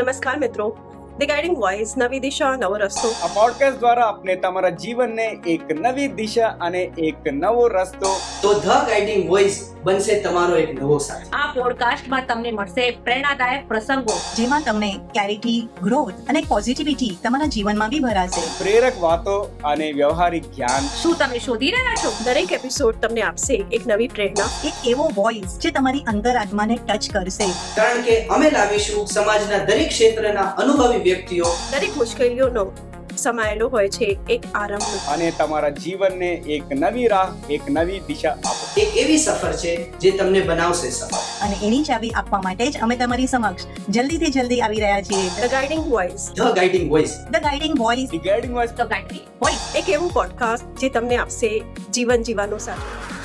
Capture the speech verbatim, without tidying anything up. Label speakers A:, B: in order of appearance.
A: નમસ્કાર મિત્રો, the guiding voice, નવી દિશા નવો રસ્તો.
B: આ પોડકાસ્ટ દ્વારા આપણે તમારા જીવનને એક નવી દિશા અને એક નવો રસ્તો
C: તો ધ ગાઈડિંગ વોઇસ બનશે તમારો એક નવો સાથી.
D: આ પોડકાસ્ટમાં તમને મળશે પ્રેરણાદાયક પ્રસંગો,
E: જેમાં તમને ક્લેરિટી, ગ્રોથ અને પોઝિટિવિટી તમારા જીવનમાં બી ભરાશે.
B: પ્રેરક વાતો અને વ્યવહારિક જ્ઞાન.
D: શું તમે શોધી રહ્યા છો?
A: દરેક એપિસોડ તમને આપશે એક નવી પ્રેરણા,
E: એક એવો વોઇસ જે તમારી અંતરાત્માને ટચ કરશે.
C: કારણ કે અમે લાવીશું સમાજના દરેક ક્ષેત્રના અનુભવી વ્યક્તિઓ
A: દરેક મુશ્કેલીઓનો સમાયેલો હોય છે એક આરંભ.
B: અને તમારા જીવનને એક નવી રાહ, એક નવી દિશા આપો.
C: એક એવી સફર છે જે તમને બનાવશે સફળ.
E: અને એની ચાવી આપવા માટે જ અમે તમારી સમક્ષ જલ્દીથી જલ્દી આવી રહ્યા છીએ.
A: The guiding voice,
C: the guiding voice.
E: The guiding voice.
B: The guiding voice
D: the guiding voice.
A: એક એવું પોડકાસ્ટ જે તમને આપશે જીવન જીવવાનો સાથ.